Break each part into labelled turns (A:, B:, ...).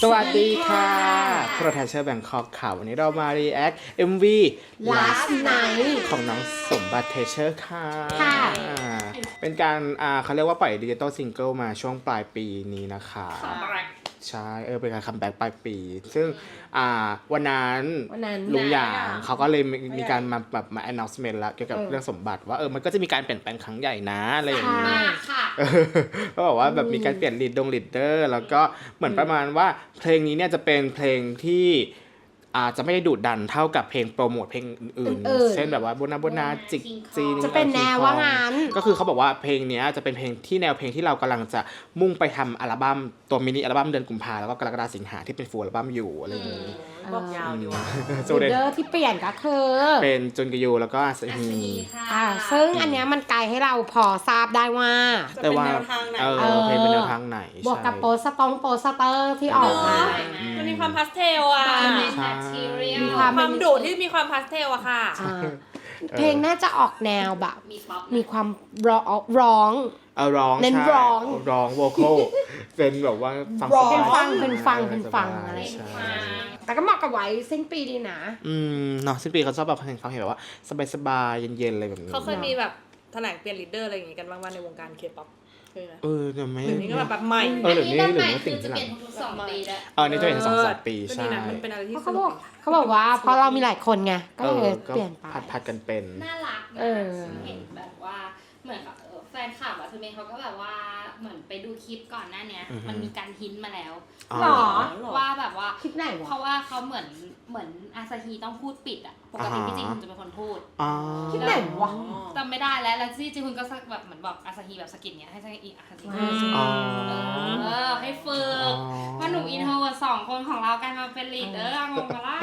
A: สวัสดีค่ะโปรแทชเชอร์แบงคอกค่ะวันนี้เรามา react MV
B: Last Night
A: ของน้องสมบัติเทเชอร์ค่ะ เป็นการเขาเรียกว่าปล่อยดิจิตอลซิงเกิลมาช่วงปลายปีนี้นะคะใช่เป็นการคัมแบ็กปลายปี ซึ่งวันนั้นลุงหยางเขาก็เลยมีการมาแบบมา announcement แล้วเกี่ยวกับเรื่องสมบัติว่ามันก็จะมีการเปลี่ยนแปลงครั้งใหญ่นะอะไรอย่างนี้ก็บอกว่าแบบมีการเปลี่ยนลีดเดอร์แล้วก็เหมือนประมาณว่าเพลงนี้เนี่ยจะเป็นเพลงที่จะไม่ได้ดุดันเท่ากับเพลงโปรโมทเพลงอื่นๆเช่นแบบว่าโบนาจิกจีน
B: จะเป็นแนวว่างั้น
A: ก็คือเขาบอกว่าเพลงนี้จะเป็นเพลงที่แนวเพลงที่เรากำลังจะมุ่งไปทำอัลบั้มตัวมินิอัลบั้มเดือนกุมภาแล้วก็กรกฎาคมสิงหาที่เป็นฟูลอัลบั้มอยู่อะไรอย่างนี้
C: บอกยาวอยู่
B: ลีดเดอร์ที่เปลี่ยนก็คือ
A: เป็นจุนกยูแล้วก็อาซาฮี
B: ซึ่งอันเนี้ยมันไกลให้เราพอทราบได้ว่า
A: แต่ว่าเพลงเป็นแนวทางไหน
B: บวกกับโปสเตอร์ที่ออกมา
C: มันมีความพาสเทลอ่ะ
B: มี
C: ความดุที่มีความพาสเทลอะค่ะ
B: เพลงน่าจะออกแนวแบบมีความร้องเน้น
A: ร้องโวคอลเป็นแบบว่า
B: ฟังอะไรแต่ก็เหมาะกับไว้สิ้นปีดีนะ
A: เนาะสิ้นปีเขาชอบแบบเพลงเขาเห็นแบบว่าสบายๆเย็นๆอะไรแบบนี้
C: เขาเคยมีแบบแถลงเปลี่ยนลีดเดอร์อะไรอย่างงี้กันบ้างว่าในวงการเคป๊อป
A: เดี๋ยวไม่
C: นี้ก็แบบใหม่
A: เดี๋ยวนี้หรือว่าสิ่งที่หลังนี่จะเป็น2-3 ปีใช่
C: มันเป็นอะไรที่
B: เขาบอกว่าเพราะเรามีหลายคนไงก็เลยเปลี่ยนไป
A: ผัดกันเป็น
D: น่ารักนะเห็นแบบว่าเหมือนแฟนคลับอะคือเมย์เขาก็แบบว่าเหมือนไปดูคลิปก่อนหน้านี้มันมีการฮินมาแล้วว่าแบบว่า
B: คลิปไหนวะ
D: เพราะว่าเขาเหมือนอาซาฮีต้องพูดปิดอะปกติพี่จีฮุนจะเป็นคนพูด
B: คลิปไหนวะ
D: จำไม่ได้แล้วพี่จีฮุนก็แบบเหมือนบอกอาซาฮีแบบสกินเนี้ยให้อาซาฮีให้ฝึกว่าหนุ่มอินโทร2 คนของเราการมาเป็นลีดเดอร์งงปะล่ะ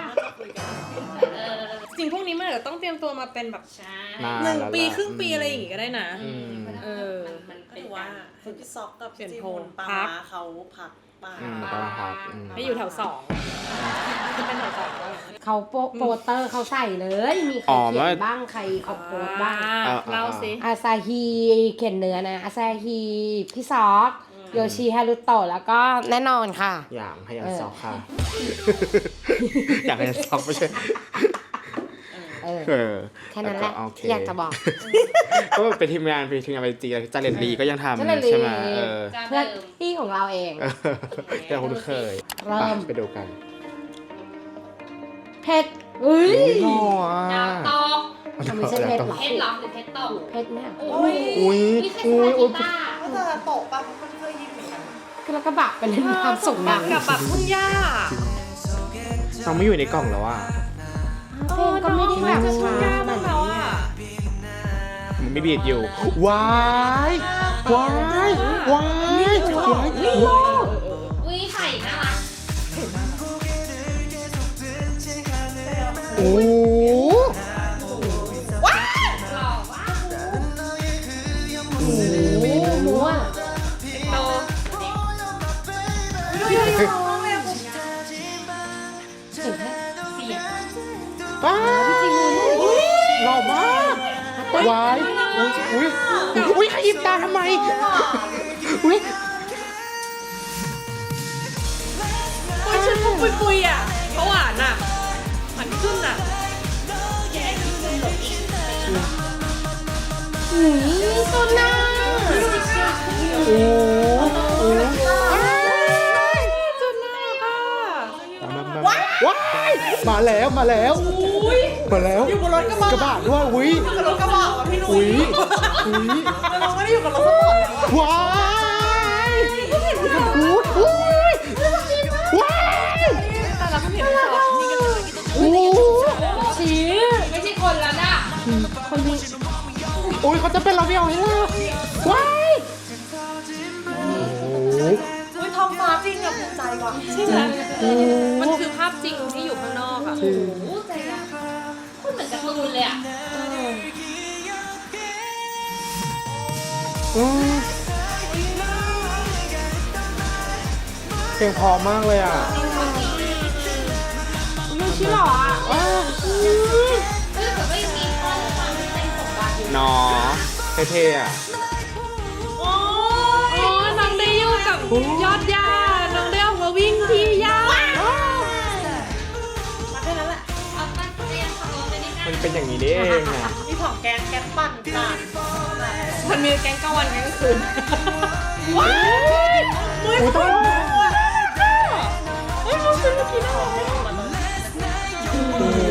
C: จริงพวกนี้มันจะต้องเตรียมตัวมาเป็นแบบ1 ปีครึ่งปีอะไรอย่างงี้ก็ได้นะ
D: มัน
E: เป็นว่าพี่ซอกกับพี่จีฮุนปาเขาพัก
C: ให้อยู่แถว2จะเป็นแถว2
B: เขาโปสเตอร์เขาใส่เลยมีใครเขียนบ้างใครเขาโพสบ้าง
C: เล่าสิ
B: อาซาฮีเขียนเนื้อนะอาซาฮีพี่ซอกโยชิฮารุโตะแล้วก็แน่นอนค่ะ
A: อย่างให้ยันซอกค่ะอย่างให้ยันซอกไม่ใช่
B: แค่นั้นแหละอยากจะบอก
A: ก็เป็นทีมงานไปจีจาเลนลีก็ยังทำใช่ไหม
B: เพื่อนพี่ของเราเอง
A: แต่คุณเคยไปดูกัน
B: เพชรอุ้ย
D: ดาวตก
B: ไม่ใช่เพชรหรอ
D: เพชรหรอหรือเพชรตก
B: เพชรเนี่ย
D: นี่แค่สกิต้า
E: ก็จะตกป่ะมันเคยยินเหมือนกัน
B: แล้วก็แบบเป็นความสุข
C: กับแบบทุ่งหญ้า
A: เราไม่อยู่ในกล่องแล้วอ่ะ
B: เพลงก็ไม่ได้แบบ
C: ช้าบ้างแล้วอ่ะ
A: มันไม่บีดอยู่ว้าย
D: อุ้ยไข่น่ารัก
A: โอ้
D: ว้าวหล่อว้าว
B: หมูอ่ะ
D: โต
A: ป้าหล่อมากวายอุ้ยขยิบตาทำไมอุ้ย
C: ชื่อพวกปุยอ่ะเขาหวานอ่ะมันขึ้นอ่ะ
B: ตัวน่า
A: ว้ายมาแล้ว
E: อยู่บนรถกระบะ
A: ด้วยอุ้ย
E: อยู่บนรถกระบะพี่นุ้ยเราไม่ได้อยู่กับรถสปอร์ต
A: ว้าย
C: แต่เราเห็นสองนี่กันเลย
B: ชี้
D: ไม่ใช่คนแล้วนะ
B: คนนี้
A: อุ้ยเขาจะเป็นเราไม่เอาให้ล่ะว้าย
E: ท้องฟ้าจริงอะภูมิใจว่ะ
C: ใช่ไหมมันคือภาพจริงที่อยู่ข้างนอกอะ
D: โอ้โหใจอะคุณเหมือนการ์ตูนเลยอะ
A: เพลงพอมากเลยอ่ะ
B: ไม่ใช่หรอ
D: แต่ก็ยังมีข้อความที่เป็นสมบัติอยู่
A: เนาะเท่ๆอ่ะ
C: น้องได้อยู่กับยอดหญ้าน้องได้ออกมาวิ่งที่หญ้า
A: เป็นอย่างนี้นี่เองอ่ะ
E: มีของแกงปั่นค่ะ
C: มันมีแก๊งกลางวันแก๊งกลางคืน
E: ว้ายมือคน
C: เฮ้ยมันเป็นเมื่อกี้น่ารัก
A: โอ้โห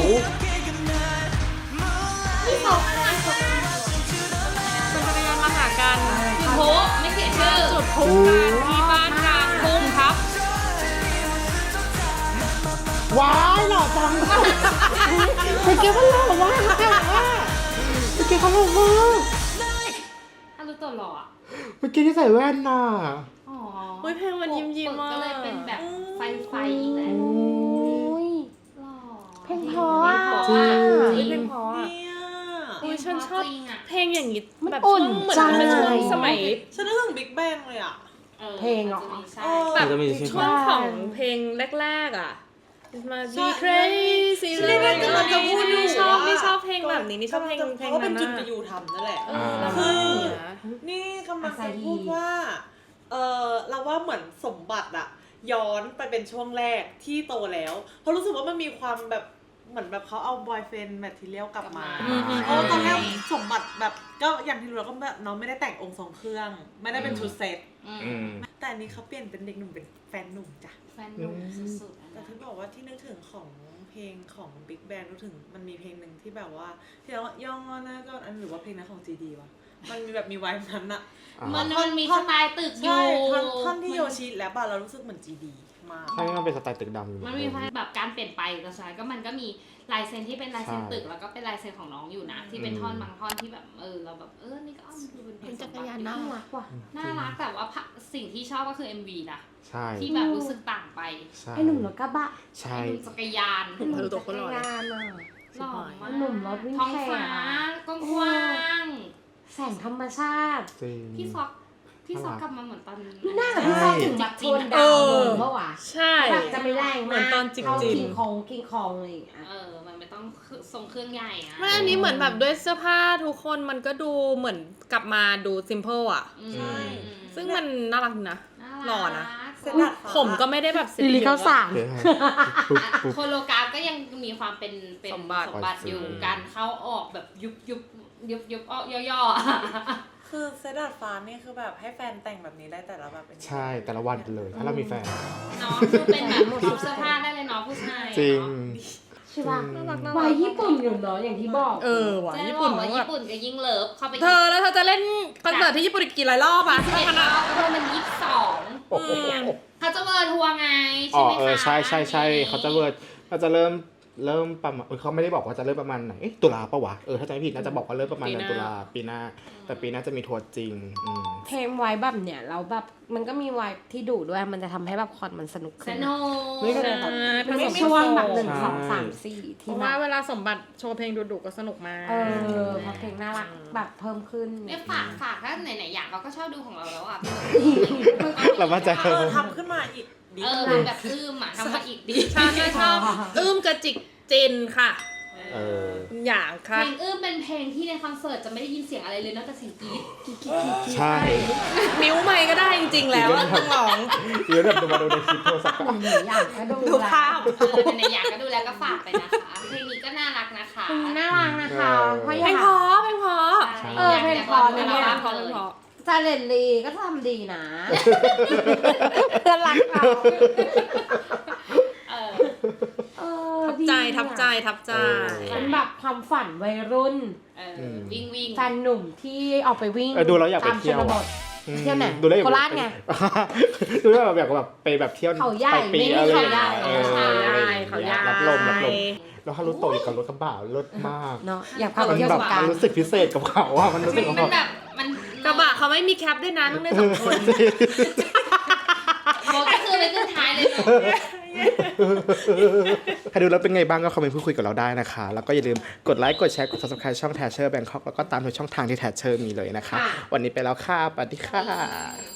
D: พี่สองอะไรของ
C: เป็นพนักงานมาหากัน
D: จุดโพไม่เขียนชื่อ
C: จุดพลุกันที่บ้านกลางทุ่งครับ
A: ว้ายหล่อจังเมื่อกี้มันหล่อมากเมื่อกี้เขาหล่อมาก
D: ฮารุโตะหล่ออะ
A: เมื่อกี้ที่ใส่แว่นน่ะ
D: อ๋อ
C: เฮ้ยเพลงมันยิ้มๆ
D: ปก
C: อ่ะ
D: ก็เลยเป็นแบบไฟอีกแหละ
B: โอ้ย
D: หล่อ
B: เพลงเพราะอะ
D: จริง
C: เฮ้ยเพลงเพราะอ่ะ
E: เนี่ย
C: โอ้ยฉันชอบ
D: จริงอะ
C: เพลงอย่างนี้
B: มัน
C: แบบ
B: อุ่
C: ช่วน งเหมือน
B: ใจ
C: เป็นช่วงสมัย
E: ฉันนึกถึงบิ๊กแบงเลยอ่ะ
B: เพลงเหรอ
D: ใช่
C: แบบ
A: มันจะมีชื่อ
C: ช่วงของเพลงแรกๆอ่ะมา
E: ใช่
C: Be Crazy
E: ใช่
C: เลย
E: กำลังจะพูดอยู่
C: นี่ชอบ
E: ว่า
C: นี่ชอบเพลงแบบนี้นี่ชอบเพลง
E: เพราะว่าเป็น
C: นั้น
E: จุดไป
C: อะ
E: อยู่ทำนั่นแหละ
C: เออแล้ว
E: คื
C: ก็
E: อ
C: อย่างเงี้ย
E: นี่กำลังจะพูดว่า เราว่าเหมือนสมบัติอะย้อนไปเป็นช่วงแรกที่โตแล้ว เพราะรู้สึกว่ามันมีความแบบเหมือนแบบเขาเอาบอยเฟนแมททีเรียลกลับมา
C: อืม
E: เพราะว่าตอนแรกสมบัติแบบก็อย่างที่รู้แล้วก็แบบน้องไม่ได้แต่งองค์ทรงเครื่อง ไม่ได้เป็นชุดเซต
A: อืม
E: แต่อันนี้เขาเปลี่ยนเป็นเด็กหนุ่มเป็นแฟนหนุ่มจ้ะ
D: แฟนหนุ่มสุดๆอะ
E: แต่
D: นะ
E: ที่บอกว่าที่นึกถึงของเพลงของ Big Bang นึกถึงมันมีเพลงหนึ่งที่แบบว่าที่เราย่องนะก็อันหรือว่าเพลงนั้นของ GD วะมันมีแบบมีไวน์นั้นอะ
D: มันมีสไตล์ตึกอ
E: ใช่
D: ยู่
E: ท่อนที่โยชิแล้วป่ะเรารู้สึกเหมือน GD มาก
A: ใช่มันเป็นสไตล์ตึกดำอยู่
D: มันมีแบบการเปลี่ยนไปแต่สุดท้ายก็มันก็มีลายเซ็นที่เป็นลายเซ็นตึกแล้วก็เป็นลายเซ็นของน้องอยู่นะ ที่เป็นท่อนบางท่อนที่แบบเราแบบนี่ก็ดูเป็นเพลง
B: จักรยานน่ารักว่ะ
D: น่ารักแต่ว่าสิ่งที่ชอบก็คือ MV นะ
A: ใช่
D: ที่แบบรู้สึกต่างไป
A: ใช่
B: ไอ้หนุ่มรถกระบะ
A: ใช่
D: ไอ้หนุ่มจักรยาน
B: ไอ้หนุ่มจักรยานอ่ะ
D: หล่อมาก
B: หนุ่มรถวิ่ง
D: ท้อง
B: แข่ง
D: ฟ้า
B: อะ
D: กว้าง
B: แสงธรรมชาติ
A: จริง
D: ๆพี่ซอกกลับมาเหมือนตอน
B: ไม่น่ากับพี่ซอกถึงแบบโทนดำเมื่อวะ
C: ใช่
B: แบบจะไม่แรง
C: เหมื
B: มา
C: อน
B: ก
C: ตอนจิก
B: เข้า
C: จิน
B: คิงคองอะไรอย่างเงี้ย
D: มันไม่ต้องทรงเครื่องใหญ่อะ
C: ไม่อันนี้เหมือนแบบด้วยเสื้อผ้าทุกคนมันก็ดูเหมือนกลับมาดูซิมเ l ิลอ่ะ
D: ใช่
C: ซึ่งมันน่ารักนะ หล่อนะ
E: เส้นดาดฟ้า
C: ผมก็ไม่ได้แบบเซ็ต
B: ลิลิ
C: เย
B: เข้า
C: อะ
B: สา
C: อะ
B: ม
A: เดี๋ยวปุ๊บปุ๊บ
D: โคโลกราฟก็ยังมีความเป็น
C: สมบัติ
D: อยู่การเข้าออกแบบยุบออกย่อๆ
E: คือเซตดาดฟ้านี่คือแบบให้แฟนแต่งแบบนี้ได้แต่ละแบบเป็น
A: ใช่แต่ละวันเลยถ้าเรามีแฟน
D: เนาะคือเป็นแบบชุดเสื้อผ้าได้เลยเนาะผู้ชาย
A: จริง
B: ใช่ป่ะ
C: น่ารักน่า
B: วั
C: รั
B: ย
C: ก
B: ญี่ปุ่นอยู่เนาะอย่างที่บอก
C: ว่ะ
D: จะ
C: ญี่
D: บ
C: ปุ่
D: อน กว่า
C: แบ
D: ญี่
C: บ
D: ปุ่นก็ยิ่งเลิฟเข้าไป
C: เธอแล้วเธอจะเล่นคอนเสิร์ตที่ญี่ปุ่นอีกกี่หลายรอบอ่ะ
D: 11
C: ขนาด
D: มัน22
A: โอ้โห
D: เขาจะเวิร์ทัวร์ไง
A: อ๋
D: ใช่
A: อ
D: ไหมคะ
A: ใช่เขาจะเริ่มประมาณเขาไม่ได้บอกว่าจะเริ่มประมาณไหนตุลาปะวะถ้าจำไม่ผิดน่าจะบอกว่าเริ่มประมาณเดือนตุลาปีหน้าแต่ปีหน้าจะมีทัวร์จริง
B: เทมไว้แบบเนี่ยเราแบบมันก็มีไว้ที่ดุด้วยมันจะทำให้แบบคอนมันสนุก
D: ส
B: ขึ้น
D: นุ
A: นี่ก็
D: ก
B: มัน
C: ผ
B: ไม่
C: สม
B: ช่วงแบบ
C: ผสม
B: 1 2 3 4
C: เพ
B: ที่
C: ราะ
B: แบ
C: ว่า
B: บ
C: เวลาสมบัติโชว์เพลงดุๆก็สนุกมาก
B: พอเพลงน่ารักแบบเพิ่มขึ้น
D: เนี่ยฝากถ้าไหนๆอยากเราก็ชอบดูของเราแล้วอ่ะ
A: เรามั่นใจ
E: ทำขึ้นมาอีกดี
D: มันแบบทำมาอีกดี
C: ชอบชอบกระจิกจินค่ะ
A: เออ
C: อย่าง
D: เพ
C: ค่ะ
D: ลงเป็นเพลงที่ในคอนเสิร์ตจะไม่ได้ยินเสียงอะไรเลยนอกจากเสียงกรี๊ด
A: ใช่
C: มิ้วไม่ก็ได้จริงๆแล้วอะต้องร้อง
A: เดี๋ยวแบบมาดูในคลิปโทรศัพท์
B: หนึ่งอย่างก็ดู
C: ดูภาพ
D: ในอยากก็ดูแล้วก็ฝากไปนะคะ เพลงนี้ก็น่ารักนะคะ
B: เพลงนี้น่ารักนะคะเพราะอ
C: เพล
B: ยาก
C: งเพราะเพลงเพราะ
B: เพลงเพราะเนี่ย
C: เพลงเพราะเพลงเพราะ
B: จาเลนลีก็ทำดีนะเพื่อนรักเรา
C: ทับใจทับใจทับใจ
B: เป็นแบบความฝันวัยรุ่น
D: วิ่ง
B: แฟนหนุ่มที่ออกไปวิ่ง
A: ดูแล้วอยากไปเที่ยว
B: ตามชนบท เที่ยวไหน
A: ดูแล้วอยาก
B: โคราชไง
A: ดูแล้วแบบไปแบบเที่ยว
B: เขาใหญ่
A: ปลายปี
B: ไม่มี
A: อะไร
B: เขาใหญ่
C: เขาใหญ่
A: รับลมแล้วฮารุโตะอยู่กับรถกระบะรถมาก
B: เนาะอยากพาไปเที่ยว
A: แบ
B: ส
A: บ
B: งกราน
A: มัน
B: ต์
A: รู้สึกพิเศษกับเขาอะมันรู้สึก
D: มันแบบมัน
C: กระบะเขาไม่มีแคปด้วยนะต้องได้สองคน
D: โมก็คือไปขึ้นท้ายเลย
A: ใครดูแล้วเป็นไงบ้างก็คอมเมนต์พูดคุยกับเราได้นะคะ แล้วก็อย่าลืมกดไลค์กดแชร์กด subscribe ช่อง Thatcher Bangkok แล้วก็ตามทุกช่องทางที่ Thatcher มีเลยนะคะ วันนี้ไปแล้วค่ะสวัสดีค่ะ